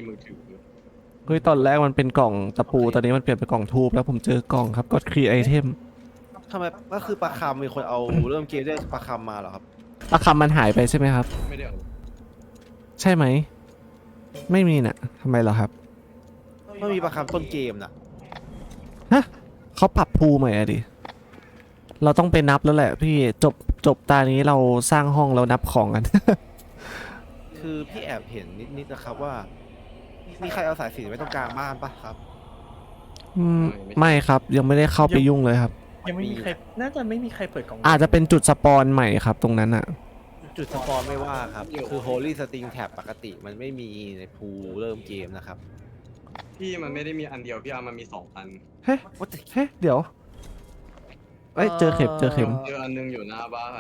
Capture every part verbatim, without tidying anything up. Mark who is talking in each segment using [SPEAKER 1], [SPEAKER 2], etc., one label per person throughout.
[SPEAKER 1] มือถือ
[SPEAKER 2] เฮ้ยตอนแรกมันเป็นกล่องตะปูตอนนี้มันเปลี่ยนเป็นกล่องทูบแล้วผมเจอกล่องครับกดครีไอเทม
[SPEAKER 3] ทำไมก็คือปลาคำมีคนเอาเริ่มเกมได้ปลาคำมาเหรอครับ
[SPEAKER 2] ปลาคำมันหายไปใช่ไหมครับ
[SPEAKER 1] ไม่ได้เอา
[SPEAKER 2] ใช่ไหมไม่มีน่ะทำไมเหรอครับ
[SPEAKER 3] ไม่มีปลาคำต้นเกมน่ะ
[SPEAKER 2] ฮะเขาปรับภูใหม่อะดิเราต้องไปนับแล้วแหละพี่จบจบตานี้เราสร้างห้องแล้วนับของกัน
[SPEAKER 3] คือพี่แอบเห็นนิดๆนะครับว่า มีใครเอาสายสิญจนไว้ตรงกลางบ้านปะครับ
[SPEAKER 2] อืมไม่ครับยังไม่ได้เข้าไปยุ่งเลยครับ
[SPEAKER 4] ยังไม่มีใครน่าจะไม่มีใครเปิดกล่อง
[SPEAKER 2] อาจจะเป็นจุดสปอนใหม่ครับตรงนั้นอะ
[SPEAKER 3] จุดสปอนไม่ว่าครับ คือ Holy String Tab ปกติมันไม่มีในพูลเริ่มเกมนะครับ
[SPEAKER 1] พี่มันไม่ได้มีอันเดียวพี่อาร์มันมีสองอัน
[SPEAKER 2] เฮ้เฮ้เดี๋ยวเอ้ยเจอเข็มเจอเข็ม
[SPEAKER 1] เจออันนึงอยู่หน้าบ้าน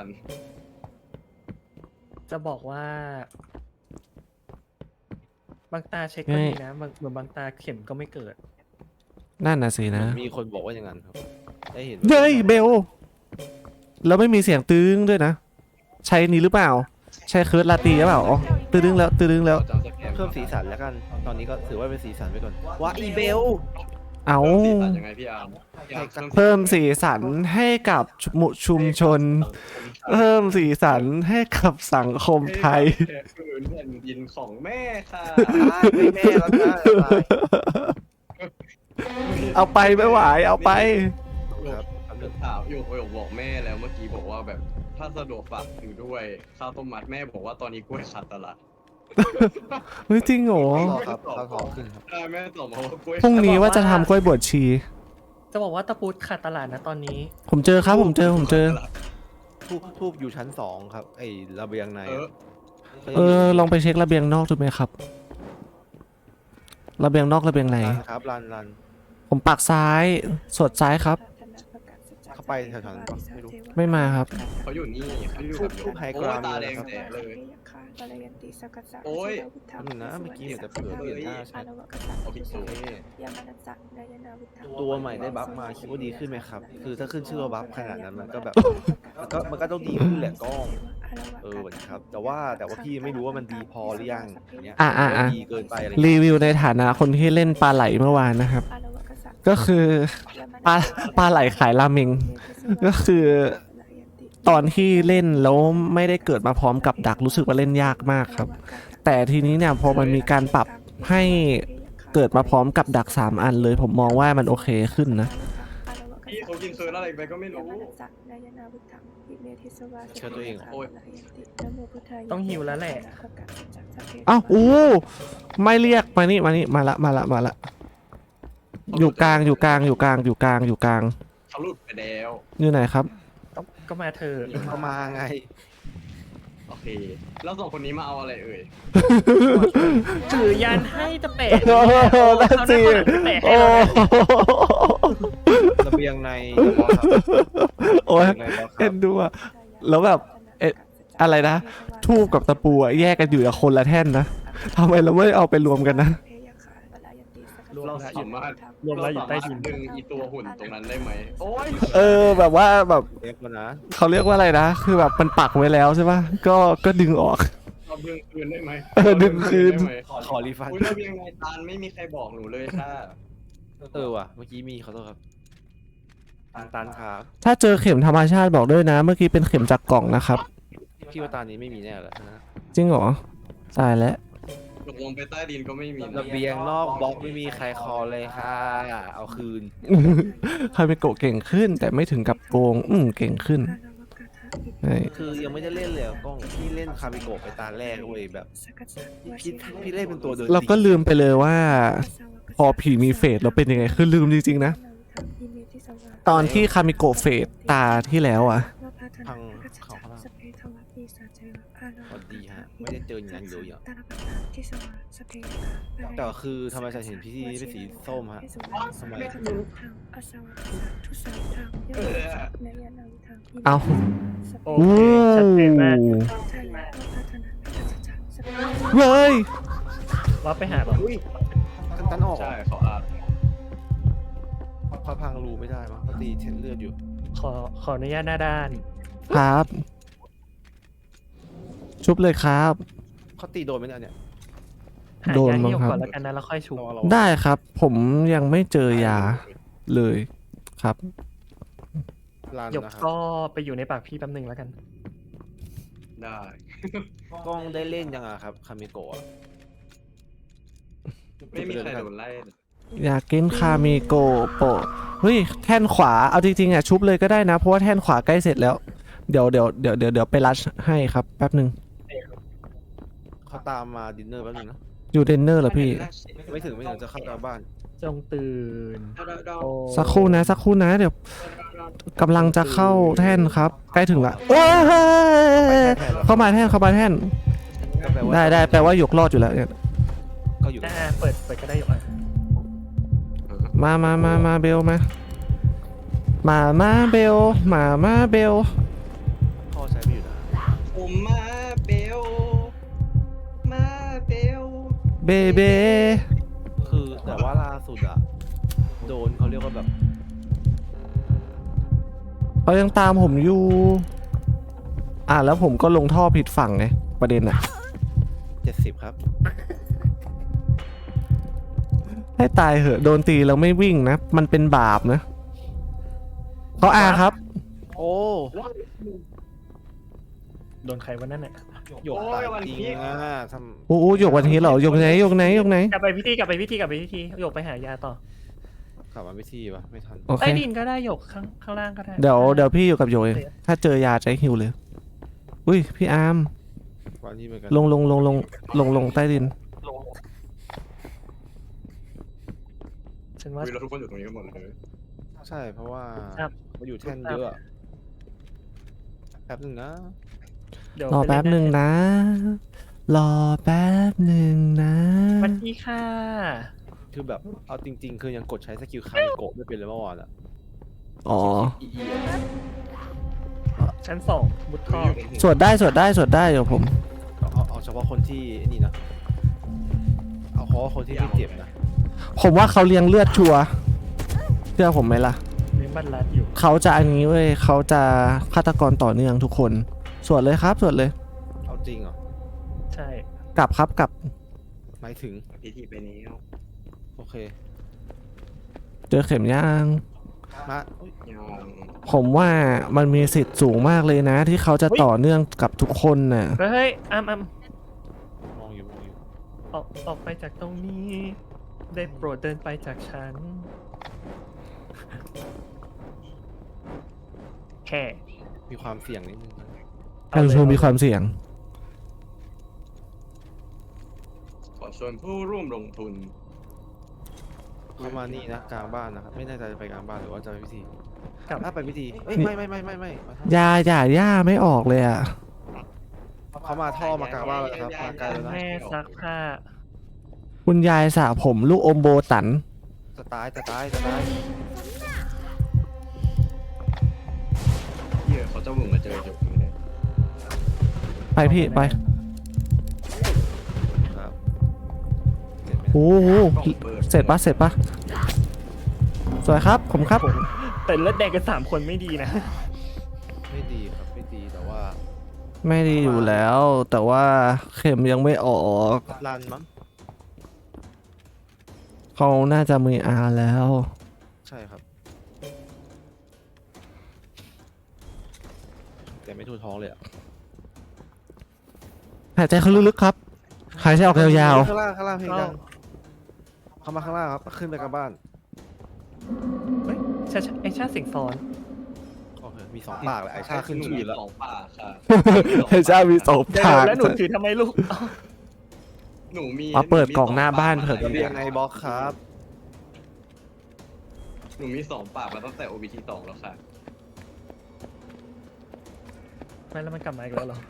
[SPEAKER 4] จะบอกว่า บางตาเช็คก็ดีนะบางเหมือนบางตาเข็มก็ไม่เกิด
[SPEAKER 2] นั่นน่ะสินะ
[SPEAKER 3] มีคนบอกว่าอย่างนั้นครับ ได้เห็น
[SPEAKER 2] เฮ้ยเบลแล้วไม่มีเสียงตื้งด้วยนะใช้นี้หรือเปล่า ใช้เคิร์ดลาตีหรือเปล่าอ๋อตื้งแล้วตื้งแล้ว
[SPEAKER 1] จำสแกน
[SPEAKER 3] เพิ่มสีสันแล้วกัน ตอนนี้ก็ถือว่าเป็นสีสันไปก่อนว้าอีเบล
[SPEAKER 2] เอา
[SPEAKER 1] เพิ่มสีสันยังไงพี่อาร์มพี่อาร์
[SPEAKER 2] เพิ่มสีสันให้กับหมู่ชุมชน เพิ่มสีสันให้กับสังคมไทย
[SPEAKER 1] คือแผ่นดินของแม่ค่ะ
[SPEAKER 3] ไม่แม่แล้วนะ
[SPEAKER 2] เอาไปไม่ไหวเอาไป
[SPEAKER 3] ครับ
[SPEAKER 1] เรื่องข่าวอยู่ประโยคบอกแม่แล้วเมื่อกี้บอกว่าแบบถ้าสะดวกฝากถือด้วยข้าวต้มมัดแม่บอกว่าตอนนี้กล้วยขาดตลาด
[SPEAKER 2] เฮ้ยจริงเหรอ
[SPEAKER 3] ต่อครับข้าวทองขึ้นครับ
[SPEAKER 1] ใช่แม่ตอบมาว่ากล้วย
[SPEAKER 2] พรุ่งนี้ว่าจะทำกล้วยบวชชี
[SPEAKER 4] จะบอกว่าตะปูขาดตลาดนะตอนนี้
[SPEAKER 2] ผมเจอครับผมเจอผมเจอ
[SPEAKER 3] ทูบทูบอยู่ชั้นสองครับ ไอ้ระเบียงใน
[SPEAKER 1] เออ
[SPEAKER 2] เออลองไปเช็คระเบียงนอกดูไหมครับ ระเบียงนอกระเบียงใน
[SPEAKER 3] รันครับรันรัน
[SPEAKER 2] ผมปักซ้ายสวดซ้ายครับ
[SPEAKER 3] เข้าไปแถวๆนั้นปะไม่รู้
[SPEAKER 2] ไม่มาครับ
[SPEAKER 1] เขาอยู่นี่เขาอยู่
[SPEAKER 3] ทู
[SPEAKER 1] กั
[SPEAKER 3] บบ
[SPEAKER 1] โย
[SPEAKER 3] ทูบ
[SPEAKER 1] ม
[SPEAKER 3] ไฮก
[SPEAKER 1] โอ้
[SPEAKER 3] ราย ม
[SPEAKER 1] ตา
[SPEAKER 3] เล
[SPEAKER 1] แด
[SPEAKER 3] ย
[SPEAKER 1] ง
[SPEAKER 3] ครับ
[SPEAKER 1] แดงเลย
[SPEAKER 5] โอ้ย
[SPEAKER 3] แป๊บนึงนะเมื่อกี้เห็นแต่เผื่อเปลี่ยนหน้าแชท
[SPEAKER 1] เอาผิดสูตร
[SPEAKER 3] ตัวใหม่ได้บัฟมาคิดว่าดีขึ้นไหมครับ คือถ้าขึ้นชื่อว่าบัฟขนาดนั้นมันก็แบบ มันก็มันก็ต้องดีขึ้นแหละกล้อง เออเหมือนครับ แต่ว่าแต่ว่าพี่ไม่รู้ว่ามันดีพอหรือยังอย่างเงี้ย
[SPEAKER 2] อ่ะอ่ะอ่ะ
[SPEAKER 3] ดีเกินไปอะไร
[SPEAKER 2] รีวิวในฐานะคนที่เล่นปลาไหลเมื่อวานนะครับ ก็คือปลาปลาไหลขายราเมง ก็คือตอนที่เล่นแล้วไม่ได้เกิดมาพร้อมกับดักรู้สึกว่าเล่นยากมากครับ แต่ทีนี้เนี่ยพอมันมีการปรับให้เกิดมาพร้อมกับดักสามอันเลย ผมมองว่ามันโอเคขึ้นนะ
[SPEAKER 1] พี่เขากินเคิร์นอะไรไปก็ไม่รู้
[SPEAKER 3] เชื่อตัวเองเหรอ
[SPEAKER 1] โอ้ย
[SPEAKER 4] ต้องหิวแล้วแหละ
[SPEAKER 2] เอ้าอู้ไม่เรียกมานี่มานี่มาละมาละมาละอยู่กลางอยู่กลางอยู่กลางอยู่กลางอยู่กลาง
[SPEAKER 1] เขาหลุดไปแล้ว
[SPEAKER 2] อยู่ไหนครับ
[SPEAKER 4] ก็ก็มาเธอะ
[SPEAKER 3] เข้ามาไง
[SPEAKER 1] โอเค แล้วสองคนนี้มาเอาอะไรเอ่ย
[SPEAKER 4] ถือยันให้จะแปะ
[SPEAKER 2] โอ้โหนั่นสิ
[SPEAKER 4] เขาหน้าเขาหลังจะแปะให้
[SPEAKER 2] โอ้
[SPEAKER 4] เรานะ
[SPEAKER 3] ระเบียงในบอสครับ
[SPEAKER 2] โอ้ย
[SPEAKER 3] ระเบียงในบอสค
[SPEAKER 2] เอ็
[SPEAKER 3] รับ
[SPEAKER 2] นดูอะแล้วแบบเอ๊ะอะไรนะทูบกับตะปูอะแยกกันอยู่กับคนละแท่นนะทำไมเราไม่เอาไปรวมกันนะ
[SPEAKER 1] เราสามารถ
[SPEAKER 4] รวมแล้วอยู่ใต้ดิน
[SPEAKER 1] ดึงอีตัวหุ่นตรงนั้นได้ไหมโอ้ย
[SPEAKER 2] เออแบบว่าแบบ
[SPEAKER 3] เอฟแล้วนะ
[SPEAKER 2] เขาเรียกว่าอะไรนะ คือแบบมันปักไว้แล้วใช่ปะก็ก็ดึงออก
[SPEAKER 1] เราดึงคืนได้ไหม
[SPEAKER 2] เออดึงคืน
[SPEAKER 1] ได้ไหม
[SPEAKER 3] ขอขอรีฟัน
[SPEAKER 1] อุ้ยเรายังไงตานไม่มีใครบอกหนูเลยค่ะ
[SPEAKER 3] เออว่ะ เมื่อกี้มีขอโทษครับตันตันครับ
[SPEAKER 2] ถ้าเจอเข็มธรรมชาติบอกด้วยนะ เมื่อกี้เป็นเข็มจากกล่องนะครับ
[SPEAKER 3] พี่ว่าตานนี้ไม่มีแน่เลยนะ
[SPEAKER 2] จริงเหรอตายแล้ว
[SPEAKER 1] ตกลงไปใต้ดินก็ไม่มีน
[SPEAKER 3] ระเบียงนอกบล็อกไม่มีใครคอเลยค่ะ เอาคืน
[SPEAKER 2] ใครไปโกะเก่งขึ้น แต่ไม่ถึงกับโกง อืมเก่งขึ้นใช่
[SPEAKER 3] คือยังไม่ได้เล่นเลยอะกล้องพี่เล่นคาบิโกะไปตาแรกเว้ยแบบพี่พี่เล่นเป็นตัวเดิน
[SPEAKER 2] เราก็ลืมไปเลยว่า พอผีมีเฟสเราเป็นยังไงคือลืมจริงๆนะ ตอนที่คามิโกะเฟสตาที่แล้วอะ
[SPEAKER 3] ทางเขาข้างล่างสวัสดีฮะ ไม่ได้เจออย่างนั้นเลยอ่ะแต่คือทำไมฉันเห็นพี่ที่เป็นสีส้มฮะทำไม
[SPEAKER 2] เอา
[SPEAKER 4] โอ
[SPEAKER 2] โอ้
[SPEAKER 4] เคชัดเจนมาก
[SPEAKER 2] เฮ้ย
[SPEAKER 4] ว่าไปหาแบบ
[SPEAKER 3] อุ้ยตันตันออก
[SPEAKER 1] ใช่เขาอาจ
[SPEAKER 3] เขาพังรูไม่ได้มั้งเขาตีเทนเลือดอยู่
[SPEAKER 4] ขอขออนุญาตหน้าด้าน
[SPEAKER 2] ครับ ชุบเลยครับ
[SPEAKER 3] เขาตีโดนไหมเนี่ยเนี่ย
[SPEAKER 4] หา
[SPEAKER 2] โดน
[SPEAKER 4] ยา
[SPEAKER 2] มั้
[SPEAKER 4] ที่
[SPEAKER 2] ง
[SPEAKER 4] หยก
[SPEAKER 2] ครับ
[SPEAKER 4] ก่อนแล้วกันนะแล้วค่อยชุบ
[SPEAKER 3] รอเรา
[SPEAKER 2] ได้ครับ ผมยังไม่เจอยาเลยครับ
[SPEAKER 3] รัน
[SPEAKER 4] หยก
[SPEAKER 3] นะครับ
[SPEAKER 4] ก็ไปอยู่ในปากพี่แป๊บหนึงแล้วกัน
[SPEAKER 1] ได้
[SPEAKER 3] กล้องได้เล่นยังอะครับคามิโกะ
[SPEAKER 1] ไม่มีใครโดนไล่เลย
[SPEAKER 2] อยากกินคามิโกโปะเฮ้ยแท่นขวาเอาจริงๆอ่ะชุบเลยก็ได้นะ เพราะว่าแท่นขวาใกล้เสร็จแล้ว เดี๋ยวเดี๋ยวเดี๋ยวเดี๋ยวเดี๋ยวไปรัชให้ครับแป๊บหนึ่ง
[SPEAKER 3] เขาตามมาดินเนอร์แป๊บนึงนะ
[SPEAKER 2] อยู่เดนเนอร์เหรอพี่
[SPEAKER 3] ไม่ถึงไม่ถึงจะเข้ากลางบ้าน
[SPEAKER 4] จงตื่นโอ้
[SPEAKER 2] สักครู่นะสักครู่นะเดี๋ยวกำลังจะเข้าแท่นครับ ใกล้ถึงละโอ้ยเข้ามาแท่นเข้ามาแท่น
[SPEAKER 3] ก็แปลว่า
[SPEAKER 2] ได้ได้แปลว่าหยกรอดอยู่แล้วเนี่ย
[SPEAKER 3] ก็อยู่
[SPEAKER 4] อ่าเปิดเปิดก็ได้หยกอ่ะ
[SPEAKER 2] มามามามาเบลมา มามาเบลมามาเบล
[SPEAKER 3] พ่อใช้ไม่อยู่นะ
[SPEAKER 1] ผมมาเบลมาเบล
[SPEAKER 2] เบเบ
[SPEAKER 3] คือแต่ว่าล่าสุดอะโดนเขาเรียกว่าแบบ
[SPEAKER 2] เขายังตามผมอยู่ อ่ะแล้วผมก็ลงท่อผิดฝั่งไงประเด็นอะ
[SPEAKER 3] เจ็ดสิบครับ
[SPEAKER 2] ให้ตายเหอะโดนตีแล้วไม่วิ่งนะ มันเป็นบาปนะเขาอาครับ
[SPEAKER 3] โอ้
[SPEAKER 4] โดนใครวันนั้นเนี่ย
[SPEAKER 3] หยกตายจริงอะท
[SPEAKER 2] โอ้โหหยกวันนี้เหรอหยกไหนหยกไหนหยกไหน
[SPEAKER 4] กลับไปพิธีกลับไปพิธีกลับไปพิธีหยกไปหายาต่อ
[SPEAKER 3] ำกลับมาไม่ที่ปะไม่ทัน
[SPEAKER 2] โอเค
[SPEAKER 4] ใต้ดินก็ได้หยกข้างข้างล่างก็ได้
[SPEAKER 2] เดี๋ยวเดี๋ยวพี่อยู่กับหยกเองถ้าเจอยาใจฮิวเลย อุ้ยพี่อาร์ม
[SPEAKER 3] วันนี้เหมือนกัน
[SPEAKER 2] ลงลงลงลงลงลงใต้ดิน
[SPEAKER 4] ฉันว่า
[SPEAKER 1] วิเราทุกคนอยู่ตรงนี้กันหมดเลย
[SPEAKER 3] ใช่เพราะว่า
[SPEAKER 4] ครับ
[SPEAKER 3] มาอยู่แท่นเยอะอะแป๊บนึงนะ
[SPEAKER 4] เดี๋ยว
[SPEAKER 2] รอ
[SPEAKER 4] ไป
[SPEAKER 2] แป๊บหนึ่งนะ รอแป๊บหนึ่งนะ
[SPEAKER 4] สวัสดีค่ะ
[SPEAKER 3] คือแบบเอาจริง ๆ คือยังกดใช้สกิลคามิโกะไม่เป็นเลยเมื่อวานอะ
[SPEAKER 2] อ๋อ
[SPEAKER 3] อีอีอะ
[SPEAKER 4] ชั้นสองมุดท่อ
[SPEAKER 2] สวดได้สวดได้สวดได้เดี๋ยวผม
[SPEAKER 3] เอาเอาเอาเฉพาะคนที่นี่นะเอาเฉพาะคนที่ไม่เจ็บนะ
[SPEAKER 2] ผมว่าเขาเลี้ยงเลือดชัวร์เชื่อผมไหมล่ะ
[SPEAKER 4] เลี้ยงบัตรลัดอยู่
[SPEAKER 2] เขาจะอันนี้เว้ยเขาจะฆาตกรต่อเนื่องทุกคน สวดเลยครับสวดเลย
[SPEAKER 3] เอาจริงเหรอ
[SPEAKER 4] ใช่
[SPEAKER 2] กลับครับกลับ
[SPEAKER 3] หมายถึง
[SPEAKER 1] พิธีไปนี้
[SPEAKER 3] โอเค
[SPEAKER 2] เจอเข็มย่าง
[SPEAKER 3] มาอุ๊ย
[SPEAKER 1] ยัง
[SPEAKER 2] ผมว่ามันมีสิทธิ์สูงมากเลยนะ ที่เขาจะต่อเนื่องกับทุกคนน่ะ
[SPEAKER 4] เฮ้ยอ้ามอ้าม
[SPEAKER 3] มองอยู่มองอยู่
[SPEAKER 4] ออกออกไปจากตรงนี้ ได้โปรดเดินไปจากฉันแค่
[SPEAKER 3] มีความเสี่ยงนิดนึงนะ
[SPEAKER 2] การชมมีความเสี่ยง
[SPEAKER 1] ขอชวนผู้ร่วมลงทุน
[SPEAKER 3] เข้ามานี่นะกลางบ้านนะครับไม่แน่ใจจะไปกลางบ้านหรือว่าจะไปพิธี
[SPEAKER 4] กลับ
[SPEAKER 3] ถ้าไปพิธีเอ้ย
[SPEAKER 2] นี่
[SPEAKER 3] ไม่ไม่ไม่ไม่ไม่มาท่อ
[SPEAKER 2] ยาหย่าย่าไม่ออกเลยอ่ะ
[SPEAKER 3] เขามาท่อมากลางบ้านแล้วนะครับมาไกลแล้วนะ
[SPEAKER 4] แม่ซักผ้า
[SPEAKER 2] คุณยายสระผมลูกอมโบตัน
[SPEAKER 3] จะตายจะตายจะตาย
[SPEAKER 1] เหี้ยเขาจะมึงมาเจอจุกนี้เลย
[SPEAKER 2] ไปพี่ไป
[SPEAKER 3] ครับเห็นไหม
[SPEAKER 2] โอ้โหเสร็จปะเสร็จปะสวยครับผมครับ
[SPEAKER 4] แต่เลือดแดงกันสามคนไม่ดีนะ
[SPEAKER 3] ไม่ดีครับไม่ดีแต่ว่า
[SPEAKER 2] ไม่ดีอยู่แล้ว แต่ว่าเข็มยังไม่ออก
[SPEAKER 3] รันมั้ง
[SPEAKER 2] เขาน่าจะมีอาแล้ว
[SPEAKER 3] ใช่ครับ แต่ไม่ทูท้องเลยอะ
[SPEAKER 2] หายใจเข้าลึกๆครับ หายใจออกยาว
[SPEAKER 3] ข้างล่างข้างล่างเพลง
[SPEAKER 4] ก็
[SPEAKER 3] ดังเข้ามาข้างล่างครับขึ้นไปกลางบ้าน
[SPEAKER 4] เฮ้ยชาชาไอชาเสียงซ้อน
[SPEAKER 3] โอเคมีสองปากเลยไอชาขึ้นชื่ออยู่แล้ว
[SPEAKER 1] สองป่าค่ะ
[SPEAKER 2] ๆไอ้เจ้ามีสอง
[SPEAKER 4] เดี๋ยว
[SPEAKER 2] ทาง
[SPEAKER 4] แล้วหนูถือทำไมลูกเอ้า
[SPEAKER 1] หนูมี
[SPEAKER 2] เอาเปิดกล่องหน้าบ้านเถอะ
[SPEAKER 3] ระเบียงในบล็อกครับ
[SPEAKER 1] หนูมีสองปากมาตั้งแต่ โอ บี ที สองแล้วค่ะ
[SPEAKER 4] ไม่แล้วมันกลับมาอีกแล้วเหรอ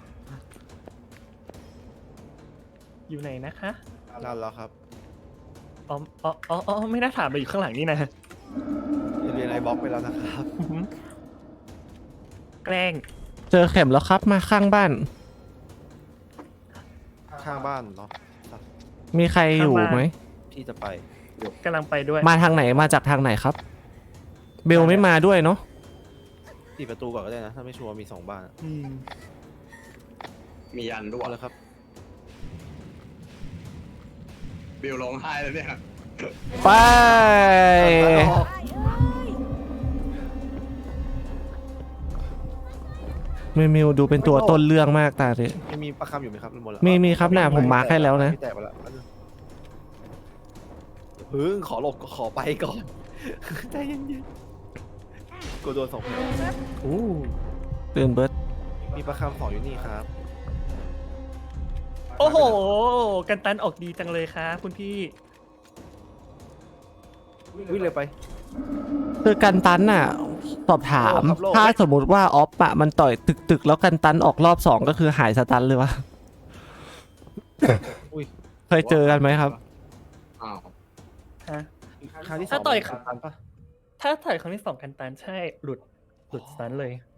[SPEAKER 4] อยู่ไหนนะคะ
[SPEAKER 3] รันแล้วครับ
[SPEAKER 4] อ๋ออ๋ออ๋ออ๋อไม่น่าถามไปอยู่ข้างหลังนี่นะ
[SPEAKER 3] ระเบียงในบล็อกไปแล้วนะครับ
[SPEAKER 4] แกล้ง
[SPEAKER 2] เจอเข็มแล้วครับมาข้างบ้าน
[SPEAKER 3] ข้างบ้านเนาะ
[SPEAKER 2] มีใครอยู่ไหม
[SPEAKER 3] พี่จะไป
[SPEAKER 4] กำลังไปด้วย
[SPEAKER 2] มาทางไหนมาจากทางไหนครับ เบลไม่มาด้วยเนาะ
[SPEAKER 3] ปิดประตูก่อนก็ได้นะ ถ้าไม่ชัวร์มีสองบ้านอะ
[SPEAKER 4] อืม
[SPEAKER 1] มียันด้วย
[SPEAKER 3] เอาเลยครับ
[SPEAKER 1] เบลร้องไห้แล้วเนี่ย
[SPEAKER 2] ไป มิวมิวดูเป็นตัวต้นเรื่องมากตาดิ
[SPEAKER 3] ยังมีประคำอยู่ไหมครับหมดแล้ว
[SPEAKER 2] มีมีครับน่ะผมมาร์คให้แล้วนะ
[SPEAKER 3] แตกไปแล้วเพิ่งขอหลบขอไปก่อน ใจเย็นๆกูโดนสองคน
[SPEAKER 4] อู้
[SPEAKER 2] ตื่นเบิร์ด
[SPEAKER 3] มีประคำสองอยู่นี่ครับ
[SPEAKER 4] โอ้โห กันตันออกดีจังเลยครับคุณพี่
[SPEAKER 3] วิ่งเลยไป
[SPEAKER 2] คือกันตันน่ะ สอบถาม
[SPEAKER 3] โลกครับโลก
[SPEAKER 2] ถ้าสมมุติว่าออฟอะมันต่อยตึกตึกๆแล้วกันตันออกรอบสองก็คือหายสตันเลยวะ
[SPEAKER 3] อุ้ย
[SPEAKER 2] เคยเจอกันไหมครับ
[SPEAKER 1] อ้าว
[SPEAKER 4] ฮะ
[SPEAKER 3] ครั้งที่สอง
[SPEAKER 4] ถ้าต่อย
[SPEAKER 3] มันตันปะ
[SPEAKER 4] ถ้าต่อยครั้งที่สองกันตันใช่ หลุด หลุดสตันเลย